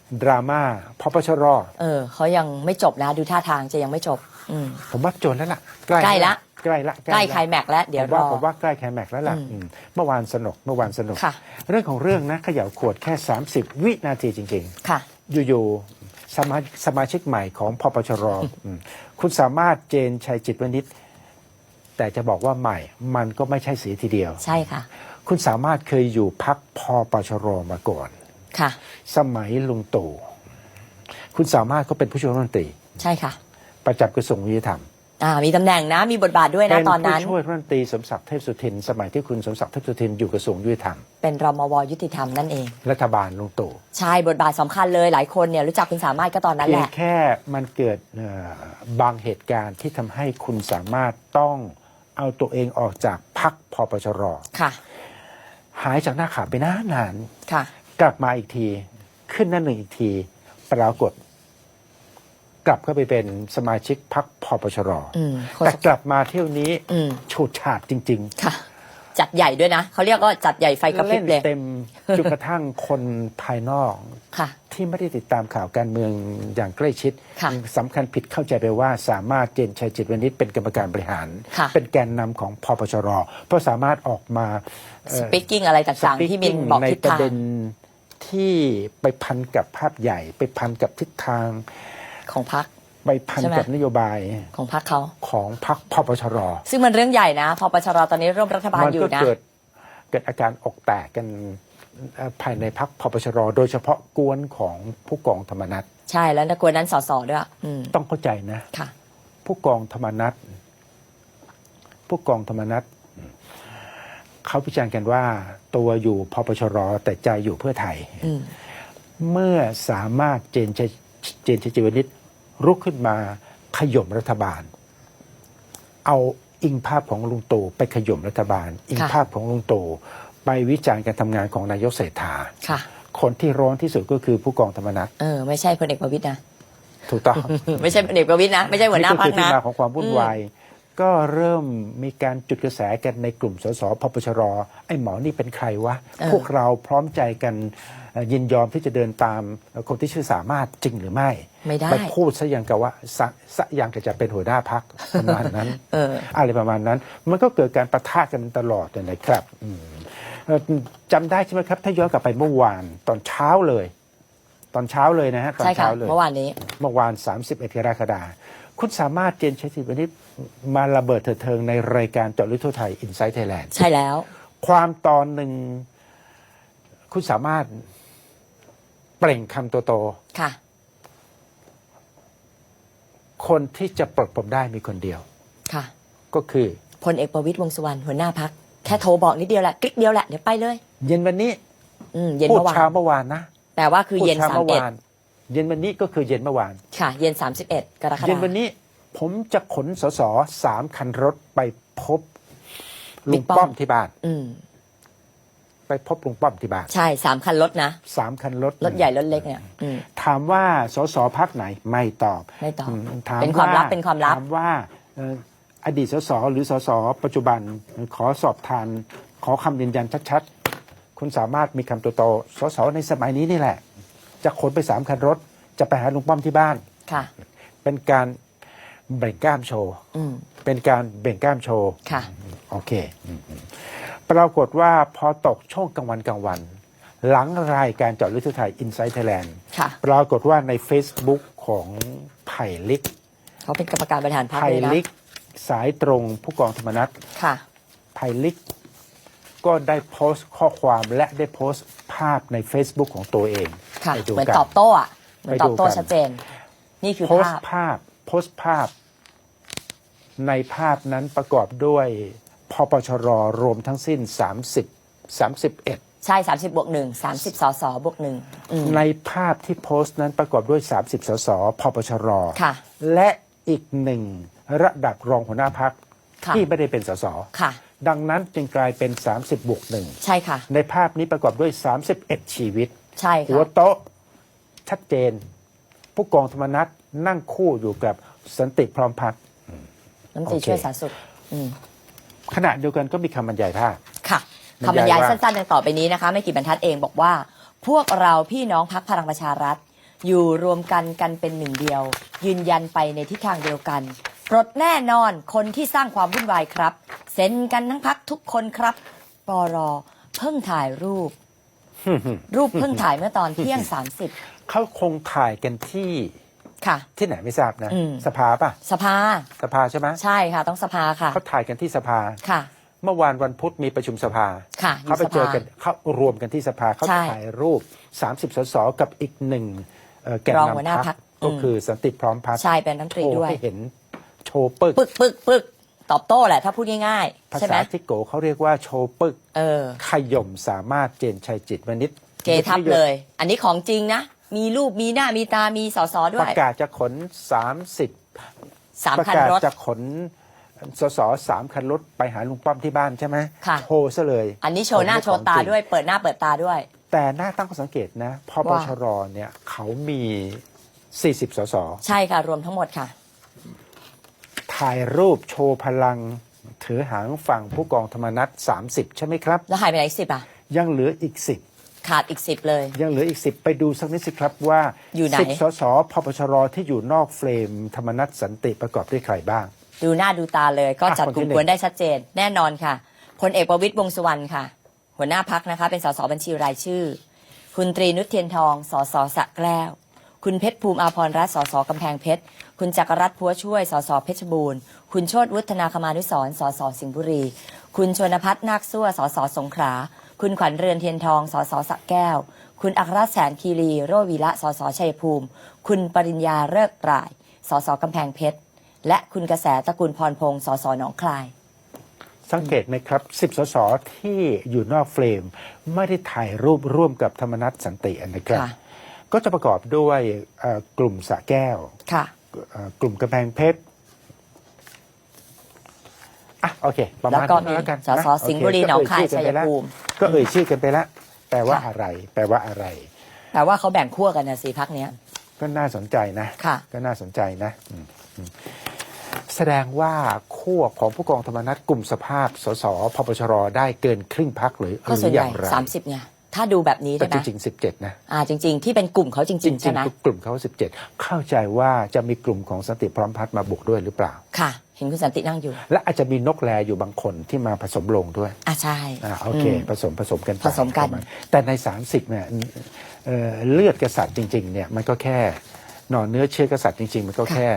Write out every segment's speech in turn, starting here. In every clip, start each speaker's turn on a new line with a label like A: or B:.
A: ดราม่าพปชร.
B: เขายังไม่จบนะดูท่าทางจะยังไม่จบ
A: ผมว่าจนแล้วล่ะ
B: ใกล้ละ
A: ใกล้
B: ไคลแม็กซ์แล้วเดี๋ยวรอ
A: ผมว่าใกล้ไคลแม็กซ์แล้วล่ะเมื่อวานสนุกเรื่องของเรื่องนะเขย่าขวดแค่30 วินาทีจริงๆ
B: ค่ะ
A: อยู่ๆสมาชิกใหม่ของพปชร.คุณสามารถเจนชัยจิตวณิชแต่จะบอกว่าใหม่มันก็ไม่ใช่สีทีเดียว
B: ใช่ค่ะ
A: คุณสามารถเคยอยู่พรรคพปชร.มาก่อน
B: ค่ะ
A: สมัยลุงตู่คุณสามารถก็เป็นผู้ช่วยรัฐมนตรี
B: ใช่ค่ะ
A: ประจำกระทรวงยุติธรรม
B: มีตำแหน่งนะมีบทบาทด้วยนะตอนนั้น
A: เป็นผู้ช่วยรัฐมนตรีสมศักดิ์เทพสุทินสมัยที่คุณสมศักดิ์เทพสุทินอยู่กระทรวงยุติธรรม
B: เป็นรมวยุติธรรมนั่นเอง
A: รัฐบาลลุงตู่
B: ใช่บทบาทสำคัญเลยหลายคนเนี่ยรู้จักคุณสามารถก็ตอนนั้นแหละ
A: แค่มันเกิดบางเหตุการณ์ที่ทำให้คุณสามารถต้องเอาตัวเองออกจากพรรคพปชร.
B: ค่ะ
A: หายจากหน้าข่าวไปนาน
B: ค่ะ
A: กลับมาอีกทีขึ้นหน้าหนึ่งอีกทีปรากฏกลับเข้าไปเป็นสมาชิกพรรคพปชร.แต่กลับมาเที่ยวนี้ฉูดฉาดจริง
B: ๆค่ะจัดใหญ่ด้วยนะเขาเรียกว่าจัดใหญ่ไฟกระพริบเลย
A: เต็มจนกระทั่งคนภายนอกที่ไม่ได้ติดตามข่าวการเมืองอย่างใกล้ชิดสำคัญผิดเข้าใจไปว่าสามารถเจนชัยจิตวณิชเป็นกรรมการบริหารเป็นแกนนำของพปชร.เพราะสามารถออกมา
B: สปีกกิ้งอะไรต่างๆที่มินบอกทิศทาง
A: ในประเด็นที่ไปพันกับภาพใหญ่ไปพันกับทิศทาง
B: ของพรรค
A: ไปพันกับนโยบาย
B: ของพรรคเขา
A: ของพรรคพปชร.
B: ซึ่งมันเรื่องใหญ่นะพปชร.ตอนนี้ร่วมรัฐบาลอยู่นะ
A: มันก็เกิดอาการอกแตกกันภายในพรรคพปชร.โดยเฉพาะกวนของผู้กองธรรมนัส
B: ใช่แล้วนะกวนนั้นส.ด้วย
A: ต้องเข้าใจนะผู้กองธรรมนัสเขาพิจารณากันว่าตัวอยู่พปชร.แต่ใจอยู่เพื่อไทยเมื่อสามารถเจนชัยจิตวณิชรุกขึ้นมาขย่มรัฐบาลเอาอิงภาพของลุงตู่ไปขย่มรัฐบาลอิงภาพของลุงตู่ไปวิจารณ์การทำงานของนายกเศรษฐาคนที่ร้อนที่สุดก็คือผู้กองธรรมนัส
B: ไม่ใช่พลเอกประวิตรนะ
A: ถูกต้อง
B: ไม่ใช่พลเอกประวิตรนะไม่ใช่หัวหน้าพรรคนะ
A: นี่ก็คือที่มาของความวุ่นวายก็เริ่มมีการจุดกระแสกันในกลุ่มสสพปชร.ไอ้หมอนี่เป็นใครวะพวกเราพร้อมใจกันยินยอมที่จะเดินตามคนที่ชื่อสามารถจริงหรือไม่
B: ไป
A: พูดซะอย่างกับว่าซะอย่างกับจะเป็นหัวหน้าพรรคประมาณนั้นอะไรประมาณนั้นมันก็เกิดการปะทะกันตลอดเลยนะครับจำได้ใช่ไหมครับถ้าย้อนกลับไปเมื่อวานตอนเช้าเลยนะฮะตอนเช้าเลย
B: เมื่อวาน
A: 31 กรกฎาคมคุณสามารถเจนชัยจิตวณิชมาระเบิดเถิดเทิงในรายการเจาะลึกทั่วไทย Inside Thailand
B: ใช่แล้ว
A: ความตอนหนึ่งคุณสามารถเปล่งคำโต
B: ค่ะ
A: คนที่จะปลดผมได้มีคนเดียว
B: ค่ะ
A: ก็คือ
B: พลเอกประวิตรวงษ์สุวรรณหัวหน้าพรรคแค่โทรบอกนิดเดียวแหละคลิกเดียวแหละเดี๋ยวไปเลย
A: เย็นวันนี้
B: เย็น
A: พูด
B: เมื่อวาน
A: เช้าเมื่อวานนะ
B: แต่ว่าคือเย็น
A: เย็นวันนี้ก็คือเย็นเมื่อวาน
B: ค่ะเย็น31 กรกฎาคม
A: เย็นวันนี้ผมจะขนสส3 คันรถไปพบลุงป้อมที่บ้านไปพบลุงป้อมที่บ้าน
B: ใช่3 คันรถนะ
A: 3 คันรถ
B: ใหญ่รถเล็กเนี่ย
A: ถามว่าสสพรรคไหนไม่ตอบ
B: เป็นความลับ
A: ถามว่าอดีตสสหรือสสปัจจุบันขอสอบทานขอคำยืนยันชัดๆคุณสามารถมีคำโตๆสสในสมัยนี้นี่แหละจะขนไป3 คันรถจะไปหาลุงป้อมที่บ้าน
B: ค่ะ
A: เป็นการเบ่งกล้ามโชว์เป็นการเบ่งกล้ามโชว์
B: ค่ะ
A: โอเคปรากฏว่าพอตกช่วงกลางวันหลังรายการเจาะลึกทั่วไทย Inside Thailand ปรากฏว่าใน Facebook ของไผ่ลิก
B: เขาเป็นกรรมการบริหารพรรค
A: ไผ่ลิกสายตรงผู้กองธรรมนัสไผ่ลิกก็ได้โพสต์ข้อความและได้โพสต์ภาพใน Facebook ของตัวเอง
B: เหมือนตอบโต้เหมือนตอบโต้ชัดเจนนี่คือ
A: โพสต์ภาพในภาพนั้นประกอบด้วยพปชร.รวมทั้งสิ้น31ใ
B: ช่30+1 30 สส+1
A: ในภาพที่โพสต์นั้นประกอบด้วย30 สสพปชร.และอีก1ระดับรองหัวหน้าพรรคที่ไม่ได้เป็นสสดังนั้นจึงกลายเป็น30+1
B: ใช่ค่ะ
A: ในภาพนี้ประกอบด้วย31ชีวิต
B: ใช่ค่ะ
A: หัวโต๊ะชัดเจนผู้กองธรรมนัสนั่งคู่อยู่กับสันติพร้อมพัฒน์
B: น้ำตีช่วยสาธารณสุข
A: ขณะเดียวกันก็มีคำบรรยายภาพ
B: ค่ะคำบรรยายสั้นๆดังต่อไปนี้นะคะไม่กี่บรรทัดเองบอกว่าพวกเราพี่น้องพรรคพลังประชารัฐอยู่รวมกันเป็นหนึ่งเดียว ยืนยันไปในทิศทางเดียวกันปลดแน่นอนคนที่สร้างความวุ่นวายครับเซ็นกันทั้งพักทุกคนครับปรเพิ่งถ่ายรูป รูปเพิ่งถ่ายเมื่อตอนเที่ยง 30
A: เขาคงถ่ายกันที่
B: ค่ะ
A: ที่ไหนไม่ทราบนะ สภาป่ะ
B: สภา
A: สภาใช่ไหม
B: ใช่ค่ะต้องสภาค่ะ
A: เขาถ่ายกันที่สภา
B: ค่ะ
A: เมื่อวานวันพุธมีประชุมสภา
B: ค่ะ
A: เขาไป
B: ยู่สภ
A: เจอกันเขารวมกันที่สภาเขา
B: ใช่
A: ถ่ายรูป 30 สสกับอีกหนึ่งแกน
B: รองหัวหน้าน
A: ำ
B: พร
A: พร
B: ร
A: ร
B: ค
A: คก็คือสันติพร้อมพัฒน์
B: ใช่เป็นรัฐมนตรี
A: โชว์
B: ด้วย
A: ให้เห็นโชว์ปึก
B: ปึกตอบโต้แหละถ้าพูดง่าย
A: ภา
B: ๆใช่ไห
A: ษาม ทิโกเขาเรียกว่าโชว์ปึก ขย่มสามารถเจนชัยจิตวณิช
B: เกทับเลย อันนี้ของจริงนะ มีรูปมีหน้ามีตามีสสด้
A: ป
B: วย
A: ระกาศจะขน
B: 3
A: ประ
B: คัน
A: กาศ
B: รถ
A: จะขนสส3 คันรถไปหาลุงป้อมที่บ้านใช่ไหม
B: ค่ะ
A: โชว์ซะเลย
B: อันนี้โชว์หน้าโชว์ตาด้วย เปิดหน้าเปิดตาด้วย
A: แต่น่าตั้งข้อสังเกตนะพปชรเนี่ยเขามี 40 สส
B: ใช่ค่ะ รวมทั้งหมดค่ะ
A: ถ่ายรูปโชว์พลังถือหางฝั่งผู้กองธรรมนัฐ30 ใช่ไหมครับ
B: แล้วหายไปไหน10อ่ะ
A: ยังเหลืออีก
B: ขาดอีก10เลย
A: 10 ยังเหลืออีก 10 ไปดูสักนิดสิครับว่า
B: อยู่ไหน
A: 10 สสพปชรที่อยู่นอกเฟรมธรรมนัฐสันติประกอบด้วยใครบ้าง
B: ดูหน้าดูตาเลยก็จัด
A: คน
B: ก
A: ที่
B: ลุ่ม
A: หนึ่ง
B: กวนได้ชัดเจน แน่นอนค่ะพลเอกประวิตรวงษ์สุวรรณค่ะ หัวหน้าพักนะคะ เป็นสสบัญชีรายชื่อ คุณตรีนุชเทียนทองสสสระแก้ว คุณเพชรภูมิอาภรณ์รัตน์สสกำแพงเพชร คุณจักรรัตน์พัวช่วยสสเพชรบูรณ์ คุณโชติวุฒนาคมานุสรณ์สสสิงห์บุรี คุณชวนพัฒน์นาคซั่วสสสงขลา คุณขวัญเรือนเทียนทองสสสระแก้ว คุณอัครราชแสนคีรีโรจน์วีระสสชัยภูมิ คุณปริญญาเลิกปร่ายสสกำแพงเพชร และคุณกระแสตระกูลพรพงศ์สสหนองคาย
A: สังเกตไหมครับ 10 สสที่อยู่นอกเฟรมไม่ได้ถ่ายรูปร่วมกับธรรมนัฐสันตินะครับ
B: ค่ะ
A: ก็จะประกอบด้วยกลุ่มสระแก้ว
B: ค่ะ
A: กลุ่มกำแพงเพชรอ่ะโอเค ประมาณ
B: แล้วก็
A: นั้นแล้วกัน
B: สส
A: นะ
B: สิงห์บุรี
A: โอเค
B: หนองคาย
A: ก็
B: ชัยภูมิ
A: ก็เอ่ยชื่อกันไปแล้วแปลว่า
B: ค่ะ
A: อะไร แปลว่าอะไร
B: แต่ว่าเขาแบ่งขั้วกันนะสิพักเนี้ย
A: ก็น่าสนใจนะ
B: ค่ะ
A: ก็น่าสนใจนะแสดงว่าขั้วของผู้กองธรรมนัฐกลุ่มสภาพสสพปชรได้เกินครึ่งพักหรือ
B: ก็ส่วน
A: อ
B: ใหญ่
A: ย่างไร
B: 30ไงถ้าดูแบบนี้
A: แต่
B: ใช่ไห
A: จ
B: ม
A: ริงๆ17 นะ
B: จริง ๆ ที่เป็นกลุ่มเขาจ
A: จ
B: ริ
A: ริ
B: ง
A: ง
B: ๆใช่ไหม
A: ๆกลุ่มเขา17 เข้าใจว่าจะมีกลุ่มของสันติพร้อมพัฒน์มาบุกด้วยหรือเปล่า
B: ค่ะ เห็นคุณสันตินั่งอยู่
A: และอาจจะมีนกแลอยู่บางคนที่มาผสมลงด้วย
B: ใช่
A: โอเค ผสมกันไป
B: ผสมกัน
A: ประาณแต่ใน 30เนี่ยเลือดกษัตริย์จริงๆเนี่ยมันก็แค่หน่อเนื้อเชื้อกษัตริย์จริงๆ มันก็แค่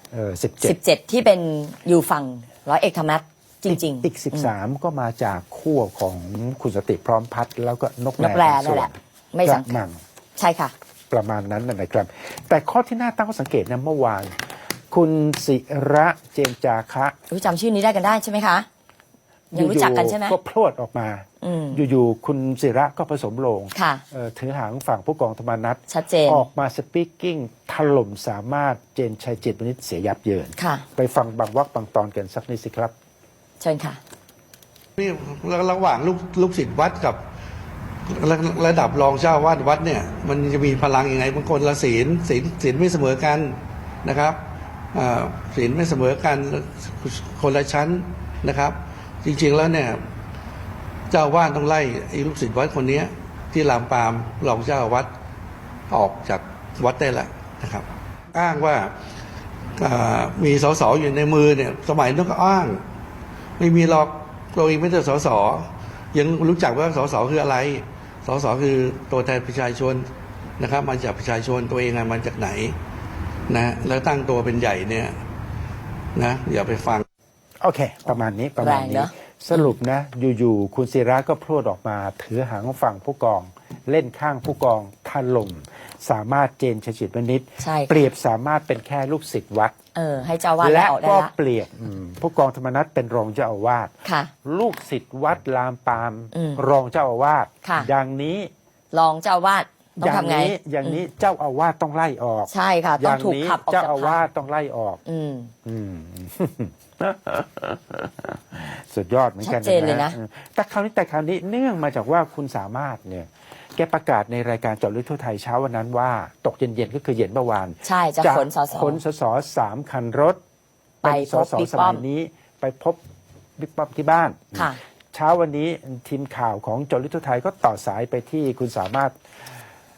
A: 17
B: 17 ที่เป็นอยู่ฝั่งร้อยเอกธรรมนัฐจริงๆ
A: อีก13 ก็มาจากขั้วของคุณสติพร้อมพัฒน์แล้วก็นก
B: นกแล
A: บาง
B: นั่
A: ส่
B: น
A: ว
B: แห
A: น
B: ละ ไม่
A: ก
B: สั
A: ระ
B: ง
A: มัง
B: ใช่ค่ะ
A: ประมาณนั้นนะครับ แต่ข้อที่น่าตั้งข้อสังเกตนะเมื่อวาน คุณศิระเจนจาคะ
B: จำชื่อนี้ได้กันได้ใช่ไหมคะ ยังรู้จักกันใช่ไหม
A: ก็พรวดออกมา อยู่ๆคุณศิระก็ผสมลง
B: ค่ะ
A: ถือหางฝั่งผู้กองธรรมนัฐ
B: ชัดเจน
A: ออกมาสปีกกิ้งถล่มสามารถเจนชัยจิตวณิชเสียยับเยิน
B: ค่ะ
A: ไปฟังบางวรรคบางตอนกันสักนิดสิครับ
B: เชิญค่ะ
C: นี่ระหว่างลูกศิษย์วัดกับระดับรองเจ้าวาดวัดเนี่ยมันจะมีพลังยังไงบางคนละศีลไม่เสมอกันนะครับศีลไม่เสมอกันคนละชั้นนะครับ จริงๆแล้วเนี่ยเจ้าวาดต้องไล่ไอ้ลูกศิษย์วัดคนนี้ที่ลามปามรองเจ้าวัดออกจากวัดได้แล้วนะครับ อ้างว่ามีสสอยู่ในมือเนี่ยสมัยนั้นก็อ้างไม่มีหรอกตัวเองไม่ใช่สสยังรู้จักว่าสสคืออะไรสสคือตัวแทนประชาชนนะครับมาจากประชาชนตัวเองมาจากไหนนะแล้วตั้งตัวเป็นใหญ่เนี่ยนะอย่าไปฟัง
A: โอเค ประมาณนี้ประมาณ
B: แรง
A: นี้
B: เนอะ
A: สรุปนะอยู่ๆคุณศิระก็พรวดออกมา ถือหางฝั่งผู้กองเล่นข้างผู้กองถล่มสามารถเจนชัยจิตวณิช
B: ใช่ค่ะ
A: เปรียบสามารถเป็นแค่ลูกศิษย์วัด
B: ให้เจ้าวาด
A: และ
B: ออกได้
A: ก็
B: ละ
A: เปรียบผู้กองธรรมนัฐเป็นรองเจ้าอาวาส
B: ค่ะ
A: ลูกศิษย์วัดลามปาม รองเจ้าอาวาส
B: ค่ะ
A: อย่างนี้
B: รองเจ้าวาดต้อ
A: อง ย่าง
B: ทำไง
A: นี้อย่างนี้เจ้าอาวาสต้องไล่ออก
B: ใช่ค่ะ
A: อ
B: ต้อง
A: ย่าง
B: ถูก
A: นี้
B: ขับออก
A: เจ้า
B: จาก
A: อา
B: พร
A: วาร สต้องไล่ออก
B: อืม
A: สุดยอดเหมือนกัน
B: ชัดเจนเลยนะ
A: แต่คราวนี้เนื่องมาจากว่าคุณสามารถเนี่ยแกประกาศในรายการเจาะลึกทั่วไทยเช้าวันนั้นว่าตกเย็นๆก็คือเย็นเมื่อวาน
B: ใช่จะขนสส
A: ขนสส3 คันรถ
B: ไป
A: เป็นส
B: พบ
A: ส
B: บิ๊ก
A: ส
B: ป้อ
A: มั
B: ม
A: ยนี้ไปพบบิ๊กป้อมที่บ้าน
B: ค่ะ
A: เช้าวันนี้ทีมข่าวของเจาะลึกทั่วไทยก็ต่อสายไปที่คุณสามารถ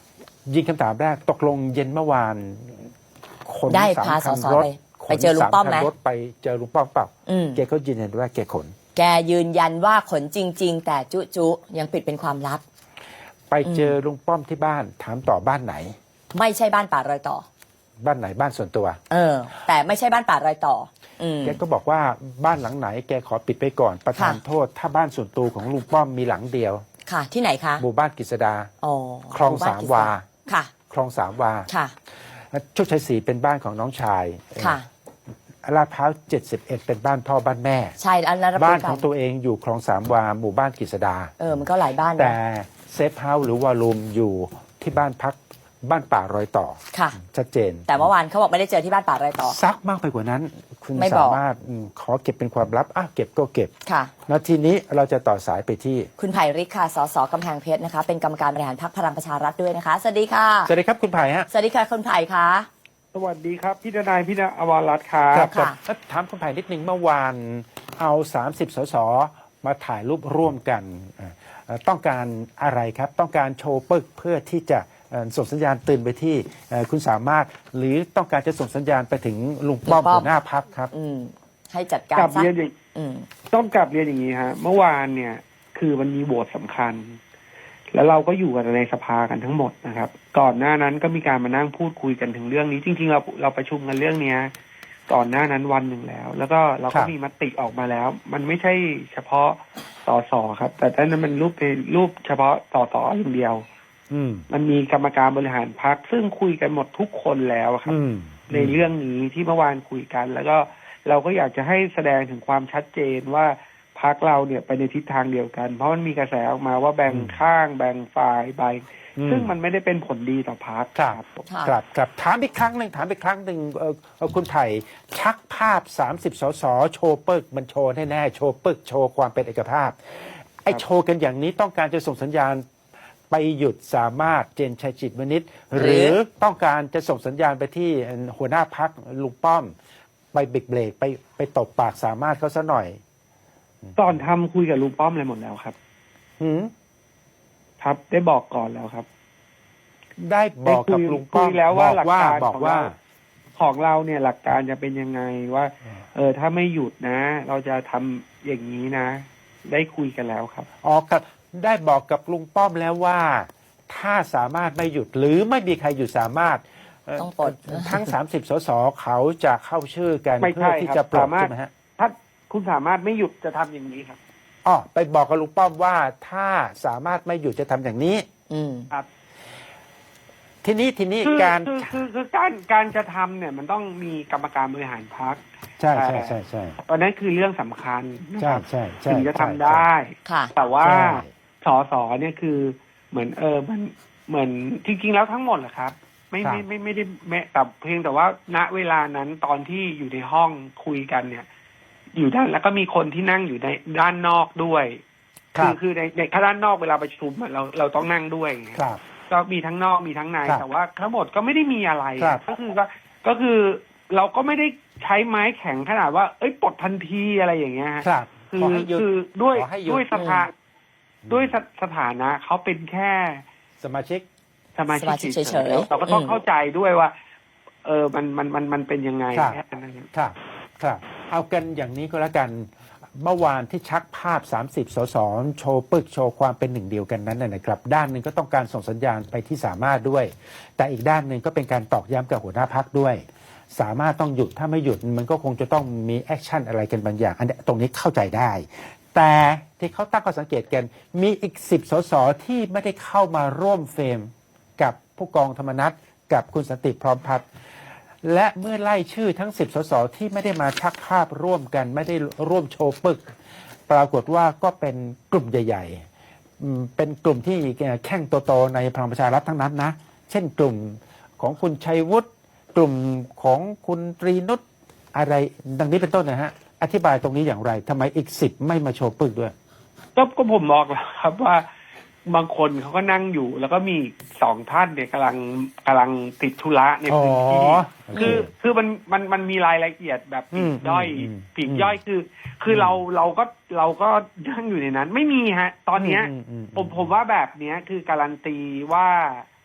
A: ยิงคำถามแรกตกลงเย็นเมื่อวานขน
B: ได้
A: สาม
B: พา
A: คัน
B: สส
A: รถ
B: ไปเจอลุงป้อมไหม
A: ขน3คันรถไปเจอลุงป้อมเปล่า
B: อืม
A: แกก็ยืนยันว่าแกขน
B: แกยืนยันว่าขนจริง ๆ แต่จุยังปิดเป็นความลับ
A: ไปเจอลุงป้อมที่บ้านถามต่อบ้านไหน
B: ไม่ใช่บ้านป่ารอยต่อ
A: บ้านไหนบ้านส่วนตัว
B: แต่ไม่ใช่บ้านป่ารอยต่อ
A: แกก็บอกว่าบ้านหลังไหนแกขอปิดไปก่อนประทาน
B: ค่ะ
A: โทษ ถ้าบ้านส่วนตัวของลุงป้อมมีหลังเดียว
B: ค่ะ ที่ไหนคะ
A: หมู่บ้านกฤษดา
B: อ๋อ
A: คลอง
B: หบ้น
A: สามวา
B: ค่ะ
A: คลองสามวา
B: ค่ะ
A: โชคชัยศรีเป็นบ้านของน้องชาย
B: ค่ะ
A: ลาดพร้าว71เป็นบ้านพ่อบ้านแม่
B: ใช่อันนั้นรับ
A: บ้าน
B: รู้กั
A: ของตัวเองอยู่คลองสามวาหมู่บ้านกฤษดา
B: มันก็หลายบ้านนะ
A: แต่เซฟเฮาส์หรือวอลลุ่มอยู่ที่บ้านพักบ้านป่ารอยต่อ
B: ค่ะ
A: ชัดเจน
B: แต่เมื่อวานเขาบอกไม่ได้เจอที่บ้านป่ารอยต่อ
A: ซักมากไปกว่านั้น คุณ
B: ไม่บอ
A: สาก มารถขอเก็บเป็นความลับเก็บก็เก็บ
B: ค่ะ
A: แล้วทีนี้เราจะต่อสายไปที่
B: คุณไผ่ฤทธิ์ค่ะ สสกำแพงเพชรนะคะ เป็นกรรมการบริหารพรรคพลังประชารัฐด้วยนะคะ สวัสดีค่ะ
A: สวัสดีครับคุณไผ่ฮะ
B: สวัสดีค่ะคุณไผ่คะ
D: สวัสดีครับ พี่ทนายพี่ณอวรรัตน์ครับ
A: ครับ
B: ค่ะ
A: แล้วถามคุณไผ่นิดนึงเมื่อวานเอา30 สสมาถ่ายรูปร่วมกันต้องการอะไรครับ ต้องการโชว์ปึกเพื่อที่จะส่งสัญญาณเตือนไปที่คุณสามารถ หรือต้องการจะส่งสัญญาณไปถึงลุงป้อม
B: ลุงป้อม
A: หัวหน้าพักครับ
B: ให้จัดการ
D: กลับ
B: ซะ
D: เรียนอย่าง
B: อืม
D: ต้องกลับเรียนอย่างนี้ฮะ เมื่อวานเนี่ยคือมันมีโหวตสำคัญ แล้วเราก็อยู่กันในสภากันทั้งหมดนะครับ ก่อนหน้านั้นก็มีการมานั่งพูดคุยกันถึงเรื่องนี้ จริงๆเราประชุมกันเรื่องเนี้ยก่อนหน้านั้นวันหนึ่งแล้ว แล้วก็เรา
A: ครั
D: ก็
A: บ
D: มีมติออกมาแล้ว มันไม่ใช่เฉพาะสสครับ แต่ท่านนั้นมันรูปเฉพาะสสอย่างเดียว
A: อืม
D: มันมีกรรมการบริหารพรรคซึ่งคุยกันหมดทุกคนแล้วครับ
A: อืม
D: ในเรื่องนี้ที่เมื่อวานคุยกัน แล้วก็เราก็อยากจะให้แสดงถึงความชัดเจนว่าพรรคเราเนี่ยไปในทิศทางเดียวกัน เพราะมันมีกระแสออกมาว่าแบ่งข้างแบ่งฝ่ายใบ ซึ่งมันไม่ได้เป็นผลดีต่อพรรค
A: ครับ
B: ค่ะ
A: ครับถามอีกครั้งหนึ่งคุณไผ่ชักภาพ30 สสโชว์ปึกมันโชว์แน่ๆโชว์ปึกโชว์ความเป็นเอกภาพไอ้โชว์กันอย่างนี้ต้องการจะส่งสัญญาณไปหยุดสามารถเจนชัยจิตวณิชหรือต้องการจะส่งสัญญาณไปที่หัวหน้าพักลุงป้อม ไปเบรกไปตบปากสามารถเขาซะหน่อย
D: ตอนทำคุยกับลุงป้อมอะไรหมดแล้วครับ
A: หืม
D: ครับ ได้บอกก่อนแล้วครับ
A: ได้บอกกับลุงป้อม
D: คุยแล้วว่าหลักการ
A: บอกว่า
D: ของเราเนี่ยหลักการจะเป็นยังไงว่า ถ้าไม่หยุดนะ เราจะทำอย่างนี้นะ ได้คุยกันแล้วครับ
A: อ๋อครับได้บอกกับลุงป้อมแล้วว่า ถ้าสามารถไม่หยุดหรือไม่มีใครหยุดสามารถ
B: ต้องปลด
A: ทั้ง 30 สสเขาจะเข้าชื่อกัน
D: ไม่
A: เพื่อ
D: ใช่
A: ที่
D: ครับ
A: จะปลด
D: สามารถ
A: ใช่ไหมฮะ
D: ถ้าคุณสามารถไม่หยุดจะทำอย่างนี้ครับ
A: อ๋อไปบอกกับลุงป้อมว่าถ้าสามารถไม่หยุดจะทำอย่างนี้
B: อืม
D: ครับ
A: ทีนี้
D: คือ
A: การ
D: คือการจะทำเนี่ยมันต้องมีกรรมการบริหารพรรค
A: ใช่
D: ตอนนั้นคือเรื่องสำคัญนะ
A: ใช่
D: ครับ
A: ใช่
D: ถึงจะทำได้
B: ค่ะ
D: แต่ว่า
A: ใช่
D: สอสอเนี่ยคือเหมือนมันเหมือนจริงๆแล้วทั้งหมดแหละครับ ไม่ได้แม้แต่เพียงแต่ว่าณเวลานั้นตอนที่อยู่ในห้องคุยกันเนี่ย อยู่ด้านแล้วก็มีคนที่นั่งอยู่ในด้านนอกด้วย คือในถ้าด้านนอกเวลาประชุมอะเราต้องนั่งด้วยไง
A: ครับ
D: ก็มีทั้งนอกมีทั้งใน
A: ครับ
D: แต่ว่าทั้งหมดก็ไม่ได้มีอะไร
A: ครับ
D: ก็คือเราก็ไม่ได้ใช้ไม้แข็งขนาดว่า เอ้ยปลดทันทีอะไรอย่างเงี้ยฮะ
A: ครับ
D: คื
A: ขอให้หยุด
D: คือด้วย
A: ขอให้หยุด
D: ด้วยสถานะเขาเป็นแค่
A: สมาชิก
D: สมา
B: สมาชิ
D: ชิ
B: ก
D: ก
B: เฉ
D: เฉ
B: ย
D: ย
B: ๆ
D: ๆเราก็ต้อง
B: อืม
D: เข้าใจด้วยว่า มันเป็นยังไง
A: ครับ
D: แค่นั้นเอง
A: ครับเอากันอย่างนี้ก็แล้วกันเมื่อวานที่ชักภาพ 30 สสโชว์ปึกโชว์ความเป็นหนึ่งเดียวกันนั้นนะครับ ด้านหนึ่งก็ต้องการส่งสัญญาณไปที่สามารถด้วย แต่อีกด้านหนึ่งก็เป็นการตอกย้ำกับหัวหน้าพักด้วย สามารถต้องหยุดถ้าไม่หยุดมันก็คงจะต้องมีแอคชั่นอะไรกันบางอย่างอันนี้ตรงนี้เข้าใจได้ แต่ที่เขาตั้งข้อสังเกตกันมีอีก10 สสที่ไม่ได้เข้ามาร่วมเฟรมกับผู้กองธรรมนัฐกับคุณสันติพร้อมพัฒน์และเมื่อไล่ชื่อทั้ง 10 สสที่ไม่ได้มาชักภาพร่วมกันไม่ได้ร่วมโชว์ปึก ปรากฏว่าก็เป็นกลุ่มใหญ่ๆเป็นกลุ่มที่แข่งโตๆในพลังประชารัฐทั้งนั้นนะเช่นกลุ่มของคุณชัยวุฒิกลุ่มของคุณตรีนุชอะไรดังนี้เป็นต้นนะฮะอธิบายตรงนี้อย่างไรทำไมอีก10ไม่มาโชว์ปึกด้วย
D: ก็ผมบอกแล้วครับว่าบางคนเขาก็นั่งอยู่ แล้วก็มี2 ท่านเนี่ยกำลังติดธุระในพื้นที่ คือมันมีรายละเอียดแบบปลีกย่อยปลีกย่อยคือเราก็นั่งอยู่ในนั้น ไม่มีฮะ ตอนเนี้ยผมว่าแบบเนี้ยคือการันตีว่า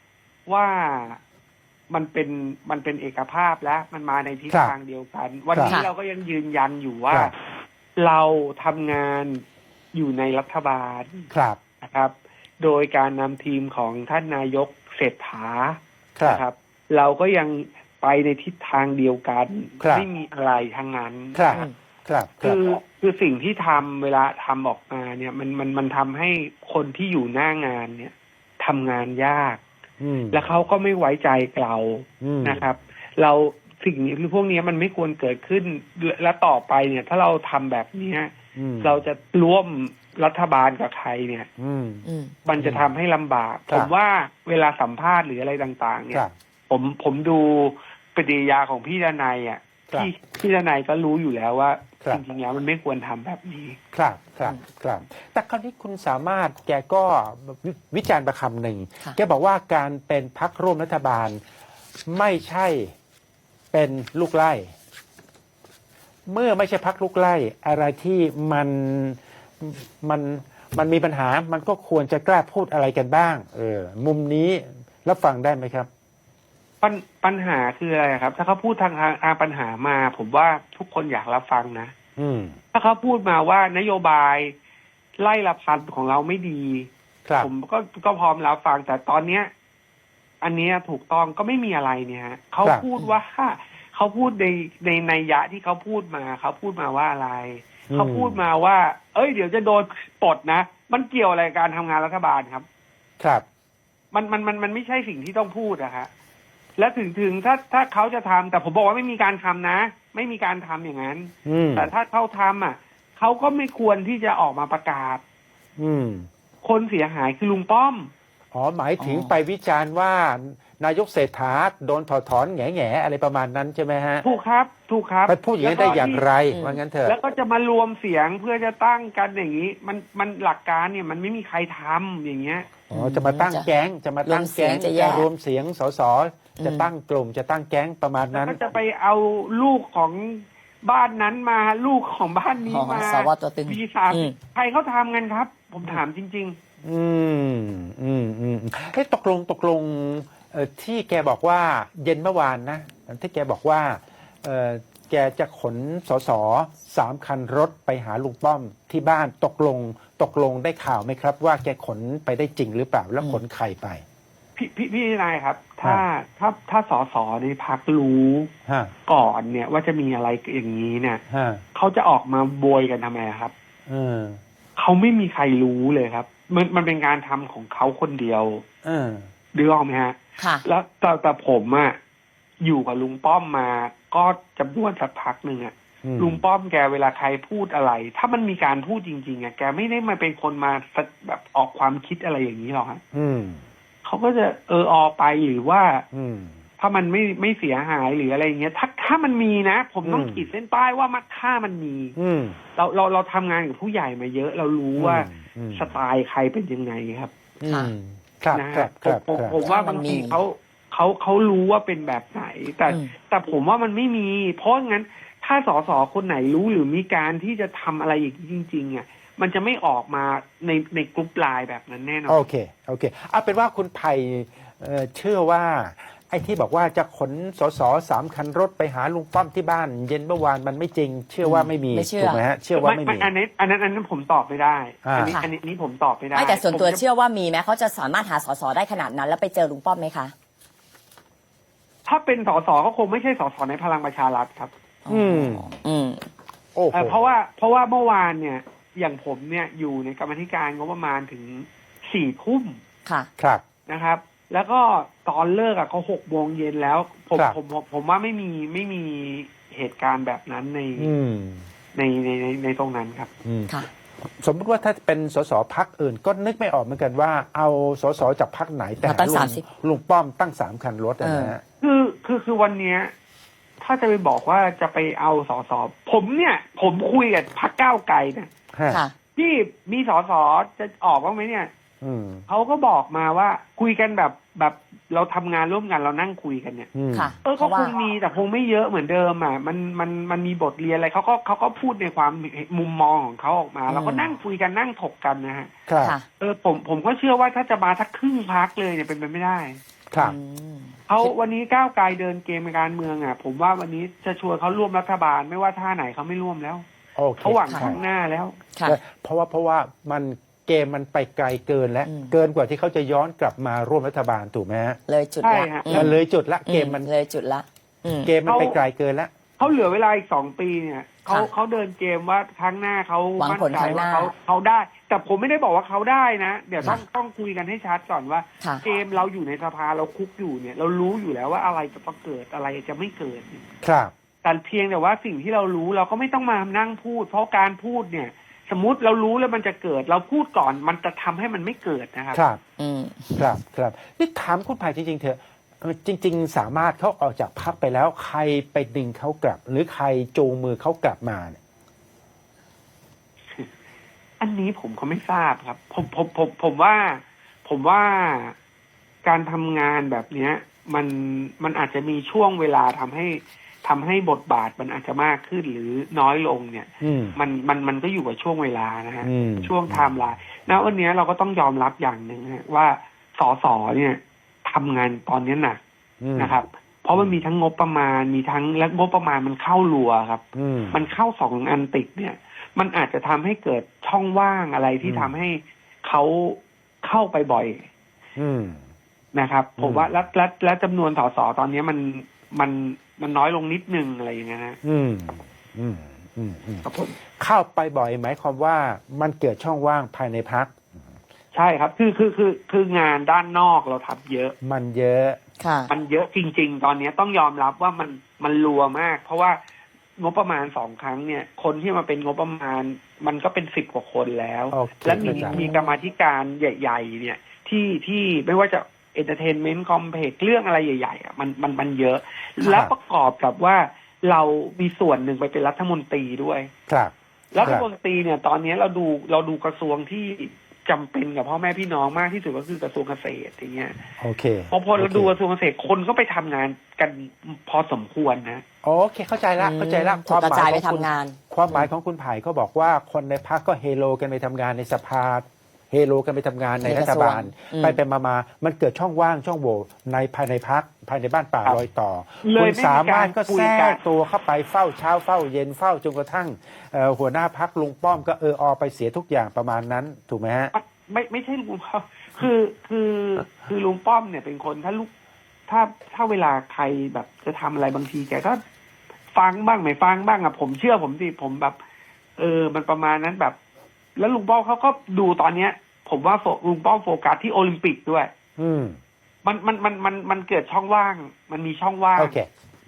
D: ว่ามันเป็นเอกภาพและมันมาในทิศ
A: ครับ
D: ทางเดียวกัน วันนี้
B: ครับ
D: เราก็ยังยืนยันอยู่ว่า
A: ครับ
D: เราทำงานอยู่ในรัฐบาล
A: ครับ
D: นะครับ โดยการนำทีมของท่านนายกเศรษฐา
A: ครับ
D: นะครับ เราก็ยังไปในทิศทางเดียวกัน
A: ครับ
D: ไม่มีอะไรทั้งนั้น
A: ครับ
B: อืม
A: ครับค
D: คื
A: รับ
D: คือสิ่งที่ทำเวลาทำออกมาเนี่ยมันทำให้คนที่อยู่หน้างานเนี่ยทำงานยาก
A: ม
D: แล้วเขาก็ไม่ไว้ใจเรา
A: อืม
D: นะครับ เราสิ่งนี้พวกนี้มันไม่ควรเกิดขึ้นและต่อไปเนี่ย ถ้าเราทำแบบเนี้ย
A: อืม
D: เราจะร่วมรัฐบาลกับใครเนี่ย
A: อืม
B: อืม
D: มันจะทำให้ลำบาก
A: ครับ
D: ผมว่าเวลาสัมภาษณ์หรืออะไรต่าง ๆ เนี่
A: ค
D: ย
A: รับ
D: ผมดูปฏิกิริยาของพี่ดนัยอ่ะ
A: ครับ
D: พี่ดนัยก็รู้อยู่แล้วว่า
A: ครับ
D: จริงๆแล้วมันไม่ควรทำแบบนี้
A: ครับครับครับ แต่คราวนี้คุณสามารถแกก็วิจารณ์ประคำหนึ่ง
B: ค่ะ
A: แกบอกว่าการเป็นพรรคร่วมรัฐบาลไม่ใช่เป็นลูกไล่ เมื่อไม่ใช่พรรคลูกไล่ อะไรที่มันมีปัญหา มันก็ควรจะกล้าพูดอะไรกันบ้าง มุมนี้รับฟังได้ไหมครับ
D: ปัญหาคืออะไรครับ ถ้าเขาพูดทางปัญหามา ผมว่าทุกคนอยากรับฟังนะ
A: อืม
D: ถ้าเขาพูดมาว่านโยบายไล่ละพันของเราไม่ดี
A: ครับ
D: ผมก็พร้อมรับฟัง แต่ตอนเนี้ย อันเนี้ยถูกต้องก็ไม่มีอะไรเนี่ยฮะเขา
A: ครับ
D: พูดว่าเขาพูดในนัยยะที่เขาพูดมาเขาพูดมาว่าอะไร
A: อืม
D: เขาพูดมาว่า เอ้ยเดี๋ยวจะโดนปลดนะมันเกี่ยวอะไรกับการทำงานรัฐบาลครับ
A: ครับ
D: มันไม่ใช่สิ่งที่ต้องพูดอะฮะและถึงถ้าเขาจะทำแต่ผมบอกว่าไม่มีการทำนะ ไม่มีการทำอย่างนั้น
A: อืม
D: แต่ถ้าเขาทำอ่ะเขาก็ไม่ควรที่จะออกมาประกาศ
A: อืม
D: คนเสียหายคือลุงป้อม
A: อ๋อหมายถึงไปวิจารณ์ว่านายกเศรษฐาโดนถอดถอนแง่ๆอะไรประมาณนั้นใช่ไหมฮะ
D: ถูกครับ ถูกครับ
A: ไปพูดอย่างนี้ได้อย่างไร
B: อืม
A: ว่างั้นเถอะ
D: แล้วก็จะมารวมเสียงเพื่อจะตั้งกันอย่างนี้ มันหลักการเนี่ยมันไม่มีใครทำอย่างเงี้ย
A: อ๋อจะมาตั้งแก๊งจะมาตั้งแก๊ง
B: รวมเสียงจะแยก
A: รวมเสียงสสจะตั้งกลุ่มจะตั้งแก๊งประมาณ
D: แล้ว
A: นั้น
D: ก็จะไปเอาลูกของบ้านนั้นมาลูกของบ้านนี้
B: อ๋อ
D: มา
B: สวตัวตึง
D: ปีสาม
B: อืม
D: ใครเขาทำกันครับ ผมถามจริง
A: เฮ้ยตกลงที่แกบอกว่าเย็นเมื่อวานนะที่แกบอกว่าแกจะขนสส3 คันรถไปหาลุงป้อมที่บ้านตกลงได้ข่าวไหมครับ ว่าแกขนไปได้จริงหรือเปล่าแล้วขนใครไป
D: พี่นายครับ ถ้าสสในพักรู้
A: ฮะ
D: ก่อนเนี่ยว่าจะมีอะไรอย่างนี้เนี่ย
A: ฮะ
D: เขาจะออกมาโบยกันทำไมครับ
A: เออ
D: เขาไม่มีใครรู้เลยครับ มันเป็นการทำของเขาคนเดียว
A: เออ
D: ดูออกไหมฮะ
B: ค่ะ
D: แล้วแต่ผมอะอยู่กับลุงป้อมมาก็จำนวนสักพักหนึ่งอะ
A: อืม
D: ลุงป้อมแกเวลาใครพูดอะไร ถ้ามันมีการพูดจริงๆอะแกไม่ได้มาเป็นคนมาแบบออกความคิดอะไรอย่างนี้หรอกฮะ
A: อืม
D: เขาก็จะอไปหรือว่า
A: อืม
D: ถ้ามันไม่เสียหายหรืออะไรอย่างเงี้ยถ้ามันมีนะ ผมต้อง
A: อืม
D: ขีดเส้นป้ายว่าถ้ามันมี
A: อืม
D: เราทำงานกับผู้ใหญ่มาเยอะ เรารู้ว่า
A: อืม
D: สไตล์ใครเป็นยังไงครับ
A: อืมครับ
D: นะครับ
A: ครับ
D: ผมว่า
B: ถ้ามั
D: บาน ง
B: มี
D: ทีเขารู้ว่าเป็นแบบไหน
B: อืม
D: แต่ผมว่ามันไม่มี เพราะงั้น ถ้าสสคนไหนรู้หรือมีการที่จะทำอะไรอย่างนี้จริงๆอ่ะมันจะไม่ออกมาในกลุ่มไลน์แบบนั้นแน่นอน
A: โอเคเอาเป็นว่าคุณไผ่เชื่อว่า ไอ้ที่บอกว่าจะขนสส3 คันรถไปหาลุงป้อมที่บ้าน เย็นเมื่อวานมันไม่จริง เชื่อว่าไม่มี
B: ไม่เชื่อ
A: ถูกไหมฮะเชื่อว่าไม่มี
D: อันนั้นผมตอบไม่ได้
A: อ่า
D: อันนี้ผมตอบไม่ได้
B: ไม่แต่ส่วนตัว
D: ผมจะ
B: เชื่อว่ามีไหมเขาจะสามารถหาสสได้ขนาดนั้น แล้วไปเจอลุงป้อมไหมคะ
D: ถ้าเป็นสสก็คงไม่ใช่สสในพลังประชารัฐครับ
A: อืม
B: อืม
A: โอ้โห
D: เพราะว่าเมื่อวานเนี่ย อย่างผมเนี่ยอยู่ในกรรมาธิการงบประมาณถึง4 ทุ่ม
B: ค่ะ
A: ครับ
D: นะครับ แล้วก็ตอนเลิกอ่ะเขา6 โมงเย็นแล้วผม
A: ครับ
D: ผมว่าไม่มีเหตุการณ์แบบนั้นใน
A: อืม
D: ในตรงนั้นครับ
A: อืม
B: ค่ะ
A: สมมติว่าถ้าเป็นสสพักอื่น ก็นึกไม่ออกเหมือนกันว่า เอาสสจากพักไหนแต่
B: มาตั้ง
A: หา
B: 30
A: ลุงป้อมตั้ง3 คันรถนะฮะ
D: คือวันเนี้ย ถ้าจะไปบอกว่าจะไปเอาสสผมคุยกับพรรคก้าวไกลนะ
B: ค่ะ
D: ที่มีสสจะออกบ้างไหมเนี่ย
A: อืม
D: เขาก็บอกมาว่าคุยกันแบบเราทำงานร่วมกันเรานั่งคุยกันเนี่ย
A: อืม
B: ค่ะ
D: ก็
B: เพราะ
D: ค
B: ว่า
D: งมีแต่คงไม่เยอะเหมือนเดิมอ่ะมันมีบทเรียนอะไรเขาก็พูดในความมุมมองของเขาออกมา เราก็นั่งคุยกันนั่งถกกันนะฮะ
A: ครับ
B: ค่ะ
D: ผมก็เชื่อว่าถ้าจะมาสักครึ่งพักเลยเนี่ยเป็นไปไม่ได้
A: ครับ
D: เขาวันนี้ก้าวไกลเดินเกมการเมืองอ่ะ ผมว่าวันนี้จะชวนเขาร่วมรัฐบาลไม่ว่าท่าไหนเขาไม่ร่วมแล้ว
A: โอเค
D: เขาหวัง
A: ใช่
D: ข้างหน้าแล้ว
B: ค่ะ
A: เพราะว่ามันเกมมันไปไกลเกินแล้ว
B: อืม
A: เกินกว่าที่เขาจะย้อนกลับมาร่วมรัฐบาลถูกไหมฮะ
B: เลยจุด
D: ใช่
B: ละ
D: ฮะ
A: มันเลยจุดละเกมมัน
B: เลยจุดละอืม
A: เกมมันไปไกลเกินแล้ว
D: เขาเหลือเวลาอีก2 ปีเนี่ยเขา
B: ค่ะ
D: เขาเดินเกมว่าครั้งหน้าเขา
B: หวัง
D: มั่น
B: ผล
D: ใจ
B: ข้างห
D: ว่า
B: น้า
D: เขาได้ แต่ผมไม่ได้บอกว่าเขาได้นะ เดี๋ยวต้อง
B: ค่ะ
D: ต้องคุยกันให้ชัดก่อนว่า
B: ค่ะ
D: เกมเราอยู่ในสภาเราคุกอยู่เนี่ย เรารู้อยู่แล้วว่าอะไรจะต้องเกิดอะไรจะไม่เกิด
A: ครับ
D: แต่เพียงแต่ว่าสิ่งที่เรารู้เราก็ไม่ต้องมานั่งพูด เพราะการพูดเนี่ย สมมติเรารู้แล้วมันจะเกิด เราพูดก่อนมันจะทำให้มันไม่เกิดนะครับ
A: ครับ
B: อืม
A: ครับนี่ถามคุณภัยจริงๆเถอะจริง ๆ สามารถเขาออกจากพรรคไปแล้วใครไปดึงเขากลับ หรือใครจูงมือเขากลับมาเนี่ย
D: อันนี้ผมก็ไม่ทราบครับ ผมว่าการทำงานแบบเนี้ย มันอาจจะมีช่วงเวลาทำให้บทบาทมันอาจจะมากขึ้นหรือน้อยลงเนี่ย
A: อืม
D: มันก็อยู่กับช่วงเวลานะฮะ
A: อืม
D: ช่วงไทม์ไลน์ณวันนี้เราก็ต้องยอมรับอย่างหนึ่งฮะว่าสสเนี่ยทำงานตอนนี้หนัก
A: อืม
D: นะครับ เพราะมันมีทั้งงบประมาณมีทั้งและงบประมาณมันเข้ารัวครับ
A: อืม
D: มันเข้า2 อันติดเนี่ย มันอาจจะทำให้เกิดช่องว่างอะไรที่
A: อืม
D: ทำให้เขาเข้าไปบ่อย
A: อืม
D: นะครับ
A: อืม
D: ผมว่าและจำนวนสสตอนนี้มันน้อยลงนิดนึงอะไรอย่างเงี้ยนะ
A: อืมอืมอืมอืม
D: ครับผม
A: เข้าไปบ่อยหมายความว่ามันเกิดช่องว่างภายในพรรค
D: ใช่ครับ คืองานด้านนอกเราทำเยอะ
A: มันเยอะ
B: ค่ะ
D: มันเยอะจริง ๆ ตอนนี้ต้องยอมรับว่ามันรัวมาก เพราะว่างบประมาณ2 ครั้งเนี่ย คนที่มาเป็นงบประมาณมันก็เป็น10 กว่าคนแล้ว
A: โอเค
D: และมี
A: เข้าใจ
D: มีกรรมาธิการใหญ่ ๆ เนี่ยที่ไม่ว่าจะเอนเตอร์เทนเมนต์คอมเพล็กซ์เรื่องอะไรใหญ่ๆอ่ะมันเยอะ และประกอบกับว่าเรามีส่วนหนึ่งไปเป็นรัฐมนตรีด้วย
A: ครับ
D: รัฐมนตรีเนี่ย ตอนนี้เราดูกระทรวงที่จำเป็นกับพ่อแม่พี่น้องมากที่สุดก็คือกระทรวงเกษตรอย่างเงี้ย
A: โอเค
D: พอเราดูกระทรวงเกษตรคนก็ไปทำงานกันพอสมควรนะ
A: โอเค เข้าใจละเข้าใจละ
B: ถูกกระจายไปทำ
A: คุณ
B: งาน
A: ความหมายของคุณไผ่เขาบอกว่าคนในพรรคก็เฮโลกันไปทำงานในสภาเฮโลกันไปทำงานในรัฐบาล
B: อืม
A: ไปมามันเกิดช่องว่างช่องโหว่ในภายในพรรคภายในบ้านป่า
D: ครับ
A: รอยต่อ
D: เลย
A: คุณสามารถก็
D: ไม่มีการคุย
A: แทร
D: กัน
A: กตัวเข้าไปเฝ้าเช้าเฝ้าเย็นเฝ้าจนกระทั่งหัวหน้าพรรคลุงป้อมก็ออไปเสียทุกอย่างประมาณนั้นถูกไหมฮะ
D: ไม่ใช่ลุงป้อมคือลุงป้อมเนี่ยเป็นคนถ้าเวลาใครแบบจะทำอะไรบางทีแกก็ฟังบ้างไม่ฟังบ้างอะผมเชื่อผมสิผมแบบ มันประมาณนั้นแบบ แล้วลุงป้อมเขาก็ดูตอนเนี้ย ผมว่าลุงป้อมโฟกัสที่โอลิมปิกด้วย
A: อืม
D: มันเกิดช่องว่าง มันมีช่องว่าง
A: โอเค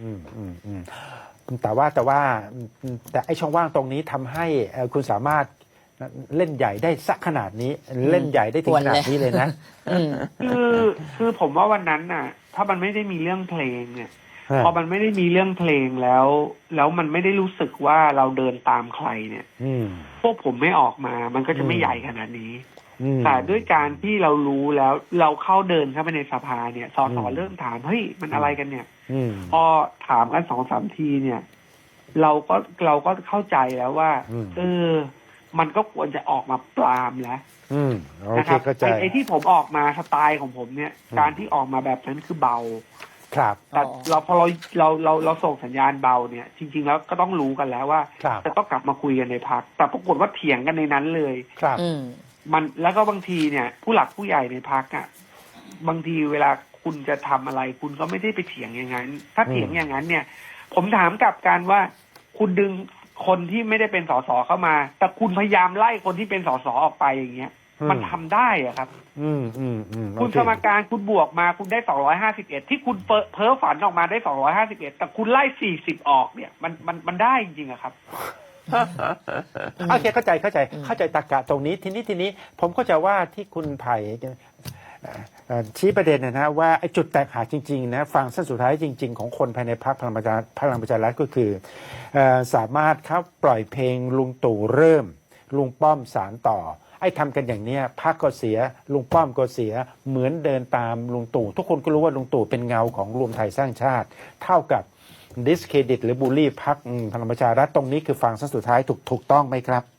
A: แต่ไอ้ช่องว่างตรงนี้ทำให้คุณสามารถเล่นใหญ่ได้สักขนาดนี้ เล่นใหญ่ได้ถึงขนาดนี้เลยนะ
B: อืม
D: คือผมว่าวันนั้นน่ะ ถ้ามันไม่ได้มีเรื่องเพลงเนี่ย
A: ฮะ
D: พอมันไม่ได้มีเรื่องเพลงแล้วมันไม่ได้รู้สึกว่าเราเดินตามใครเนี่ย
A: อืม
D: พวกผมไม่ออกมา มันก็จะไม่
A: อืม
D: ใหญ่ขนาดนี้
A: อืม
D: แต่ด้วยการที่เรารู้แล้วเราเข้าเดินเข้าไปในสภาเนี่ยสส
A: อืม
D: เริ่มถามเฮ้ยมันอะไรกันเนี่ย
A: อืม
D: พอถามกัน2-3 ทีเนี่ย เราก็เข้าใจแล้วว่า
A: อืม
D: มันก็ควรจะออกมาปรามแล้ว
A: อืมโอ
D: นะ
A: เค
D: ครับ
A: เข้าใจ
D: ไอ้ที่ผมออกมาสไตล์ของผมเนี่ย
A: อืม
D: การที่ออกมาแบบนั้นคือเบา
A: ครับ
D: แต่
B: อ๋อ
D: พอเราส่งสัญญาณเบาเนี่ย จริง ๆ แล้วก็ต้องรู้กันแล้วว่า
A: ครับ
D: จะต้องกลับมาคุยกันในพักแต่ปรากฏว่าเถียงกันในนั้นเลย
A: ครับ
B: อืม
D: มันแล้วก็บางทีเนี่ย ผู้หลักผู้ใหญ่ในพักอ่ะบางทีเวลาคุณจะทำอะไร คุณก็ไม่ได้ไปเถียงอย่างนั้น ถ้าเถียงอย่างนั้นเนี่ย ผมถามกลับกันว่า คุณดึงคนที่ไม่ได้เป็นสสเข้ามา แต่คุณพยายามไล่คนที่เป็นสสออกไปอย่างเงี้ย มันทำได้อะครับ
A: โอ
D: คุณ
A: เค
D: สมการคุณบวกมาคุณได้251ที่คุณเพ้อฝันออกมาได้251แต่คุณไล่40ออกเนี่ย มันได้จริงๆอะครับ
A: โอเคเข้าใจตรรกะตรงนี้ทีนี้ผมก็จะว่าที่คุณไผ่ชี้ประเด็นนะว่าไอ้จุดแตกหักจริงๆนะฟังเส้นสุดท้ายจริง ๆ ของคนภายในพรรคพลังประชารัฐก็คือสามารถครับปล่อยเพลงลุงตู่เริ่มลุงป้อมสารต่อไอ้ทำกันอย่างเนี้ยพรรคก็เสียลุงป้อมก็เสียเหมือนเดินตามลุงตู่ทุกคนก็รู้ว่าลุงตู่เป็นเงาของรวมไทยสร้างชาติเท่ากับดิสเครดิตหรือบูลลี่พรรคพลังประชารัฐตรงนี้คือฟังเส้นสุดท้ายถูกต้องไหมครับ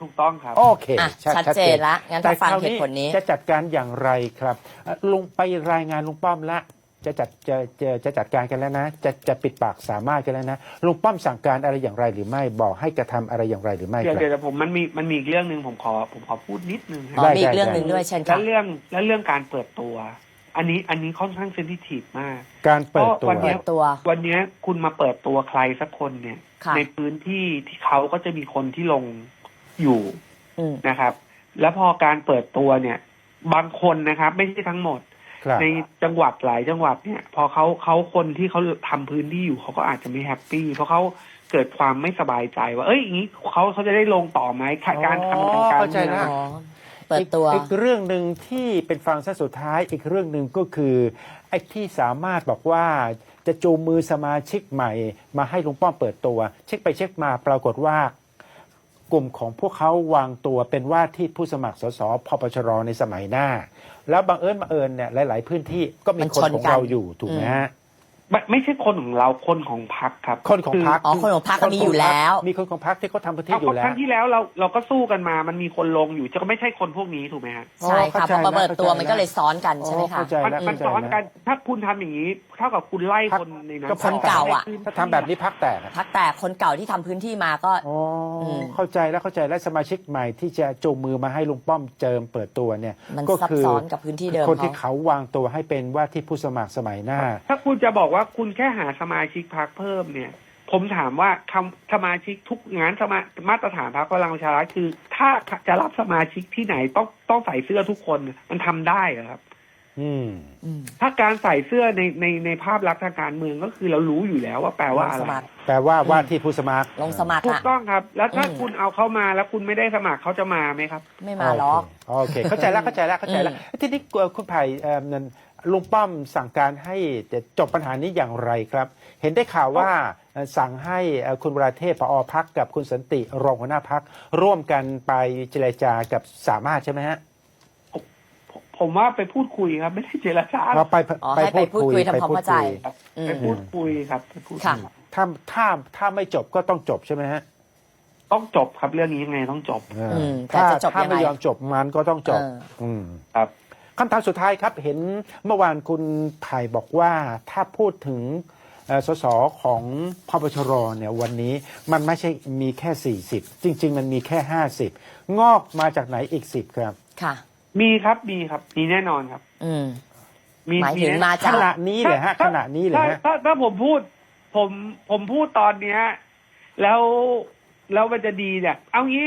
D: ถูกต้องครับ
A: โอเค
B: อ่ะชัดเจนละงั้นถ้าฟังเหตุผลนี้
A: จะจัดการอย่างไรครับลุงไปรายงานลุงป้อมละจะจัดการกันแล้วนะจะปิดปากสามารถกันแล้วนะลุงป้อมสั่งการอะไรอย่างไรหรือไม่บอกให้กระทำอะไรอย่างไรหรือไม่ค
D: เดี๋ยว
A: รับ
D: เดี๋ยวผมมันมีอีกเรื่องหนึ่งผมขอพูดนิดนึงค
B: อ๋
D: รั
B: อบ มีอีกเรื่องหนึ่งด้วยเช่น
D: แล้
B: ค่ะ
D: วเรื่องการเปิดตัว อันนี้ค่อนข้างเซนซิทีฟมาก
A: การเปิดตัว
D: เพราะวันเนี้
B: เปิดตัว
D: วันเนี้ยคุณมาเปิดตัวใครสักคนเนี่ย
B: ค่ะ
D: ในพื้นที่ที่เขาก็จะมีคนที่ลงอยู่
B: อืม
D: นะครับ แล้วพอการเปิดตัวเนี่ย บางคนนะครับ ไม่ใช่ทั้งหมด
A: ครับ
D: ในจังหวัดหลายจังหวัดเนี่ย พอเขาคนที่เขาทำพื้นที่อยู่เขาก็อาจจะไม่แฮปปี้เพราะเขาเกิดความไม่สบายใจว่า เอ้ยอย่างนี้เขาจะได้ลงต่อไหมการทำงานการ
A: เข้าใจ
D: เมือง
A: ละ
B: อ๋อเปิดตัว
A: อีกเรื่องหนึ่งที่เป็นฟังซะสุดท้ายอีกเรื่องหนึ่งก็คือไอ้ที่สามารถบอกว่าจะจูงมือสมาชิกใหม่มาให้ลุงป้อมเปิดตัว เช็คไปเช็คมาปรากฏว่ากลุ่มของพวกเขาวางตัวเป็นว่าที่ผู้สมัครสสพปชรในสมัยหน้า แล้วบังเอิญเนี่ยหลาย ๆ พื้นที่ก็มี
B: มัน
A: คน
B: ชน
A: ของ
B: กัน
A: เราอยู่ถูกไหมฮะ
D: ไม่ใช่คนของเราคนของพรรคครับ
A: คนของพรรค
B: อ๋อคนของพรรคมีอยู่แล้ว
A: มีคนของพรรคที่เขาทำพื้นที่
D: เอา
A: อยู่แล้
D: คว รั้งที่แล้วเราก็สู้กันมามันมีคนลงอยู่จะก็ไม่ใช่คนพวกนี้ถูกไหมฮะ
B: ใช่ค่ะพอมาเปิดตัวมันก็เลยซ้อนกัน
A: อ๋อ
B: ใช่ไหมคะ
A: เข้าใจ
D: มันซ้อนกันถ้าคุณทำอย่างนี้เท่ากับคุณไล่คนในนั้น
A: ก็
B: คนเก่าอะ
A: ถ้าทำแบบนี้พรรคแตกอะ
B: พักแต่คนเก่าที่ทำพื้นที่มาก็
A: อ๋ออ
B: ม
A: เข้าใจแล้วสมาชิกใหม่ที่จะจูงมือมาให้ลุงป้อมเจิมเปิดตัวเนี่ย
B: มัน
A: ก็
B: ซับ
A: คือ
B: ซ้อนกับพื้นที่เดิม
A: คนที่
B: เขา
A: เขาวางตัวให้เป็นว่าที่ผู้สมัครสมัยหน้า
D: ถ้าคุณจะบอกว่าคุณแค่หาสมาชิกพรรคเพิ่มเนี่ย ผมถามว่าคำสมาชิกทุกงานมาตรฐานพรรคพลังประชารัฐคือ ถ้าจะรับสมาชิกที่ไหนต้องใส่เสื้อทุกคนมันทำได้เหรอครับ
A: อืม
B: อืม
D: ถ้าการใส่เสื้อในภาพลักษณ์ทางการเมืองก็คือเรารู้อยู่แล้วว่าแปลว่าอะ
B: ส
D: ไร
B: มัคร
A: แปลว่าว่าที่ผู้สมัคร
B: ลงสมัคร
D: ถูก
B: อ่ะ
D: ต้องครับ แล้วถ้า
B: อืม
D: คุณเอาเขามาแล้วคุณไม่ได้สมัครเขาจะมาไหมครับ
B: ไม่มาหรอก
A: โอเคเข้าใจแล้วทีนี้คุณไผ่นั่นลุงป้อมสั่งการให้จบปัญหานี้อย่างไรครับ เห็นได้ข่าวว่าสั่งให้คุณวราเทพผอพักกับคุณสันติรองหัวหน้าพักร่วมกันไปเจรจากับสามารถใช่ไหมฮะ
D: ผมว่าไปพูดคุยครับไม่ได้เจรจา
A: เราไป
B: อ๋อให้ไปพูดคุยทำความเข้าใจ อืม
D: ไปพูดคุยครับไปพูดคุย
B: ค่ะ
A: ถ้าไม่จบก็ต้องจบใช่ไหมฮะ
D: ต้องจบครับเรื่องนี้ยังไงต้องจบ
B: แต่จะจบ
A: ถ้า
B: ยังไง
A: ไม่ยอมจบมันก็ต้องจบ ม
D: ครับ
A: คำถามสุดท้ายครับ เห็นเมื่อวานคุณไผ่บอกว่าถ้าพูดถึงสสของพปชรเนี่ยวันนี้มันไม่ใช่มีแค่ 40 จริง ๆ มันมีแค่ 50 งอกมาจากไหนอีก 10 ครับ
B: ค่ะ
D: มีครับมีแน่นอนครับ
B: อืม
D: มี
B: หมายถึง
D: แน่
B: มา
A: ขณะนี้เลยฮะขณะนี้เลยฮะ
D: ถ้าผมพูดผมพูดตอนเนี้ยแล้วมันจะดีเนี่ย เอางี้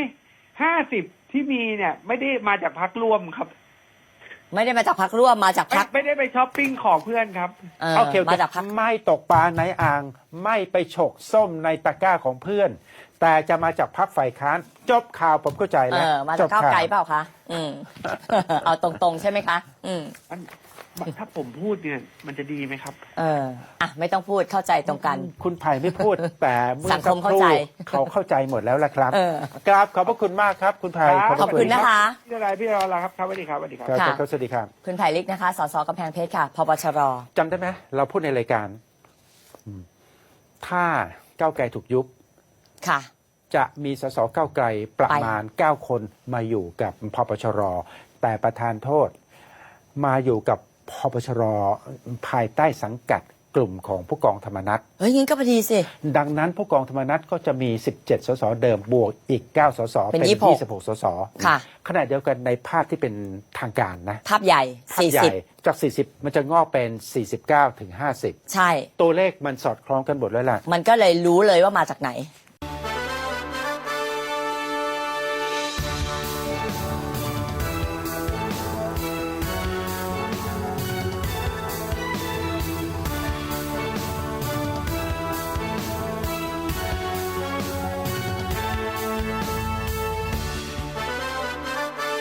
D: 50ที่มีเนี่ย ไม่ได้มาจากพรรคร่วมครับ
B: ไม่ได้มาจากพักร่วมมาจากพัก
D: ไม่ได้ไปช้อปปิ้งของเพื่อนครับ
A: โอเค
B: มาจากพัก
A: ไม่ตกปลาในอ่าง ไม่ไปฉกส้มในตะกร้าของเพื่อน แต่จะมาจากพรรคฝ่ายค้าน จบข่าวผมเข้าใจแล้ว
B: มาจากก้าวไกลเปล่าคะอืม เอาตรงๆใช่ไหมคะ อืม
D: ถ้าผมพูดเนี่ย มันจะดีไหมครับ
B: ไม่ต้องพูดเข้าใจตรงกัน
A: คุณไผ่ไม่พูด แต่เมื่อ
B: สังคม
A: สักรู่
B: เข้าใจ
A: เขาเข้าใจหมดแล้วละครับ
B: เออ
A: กราบขอบพระคุณมากครับ คุณไผ่
D: ครับ
B: ขอบคุณนะคะ
D: พี่อะไรพี่รอละครับครับสวัสดีครับสวัสดีครับ
A: ครับ
B: ค่ะ
A: ครับสวัสดีครับ
B: คุณไผ่ลิกนะคะ สสกำแพงเพชรค่ะ พปชร
A: จำได้ไหมเราพูดในรายการถ้าก้าวไกลถูกยุบ
B: ค่ะ
A: จะมีสสก้าวไกลประมาณ 9 คนมาอยู่กับพปชร แต่ประธานโทษมาอยู่กับพปชร ภายใต้สังกัดกลุ่มของผู้กองธรรมนัฐ
B: เฮ้ยงั้นก็พอดีสิ
A: ดังนั้นผู้กองธรรมนัฐก็จะมี 17 สสเดิมบวกอีก 9 สส
B: เป็น
A: เป็น
B: 26
A: 26 สส
B: ค่ะ
A: ขณะเดียวกันในภาพที่เป็นทางการนะ
B: ภาพใหญ่
A: ภาพใหญ่จาก 40 มันจะงอกเป็น 49 ถึง
B: 40 ใช่
A: 50 ตัวเลขมันสอดคล้องกันหมดแล้วล่ะ
B: มันก็เลยรู้เลยว่ามาจากไหน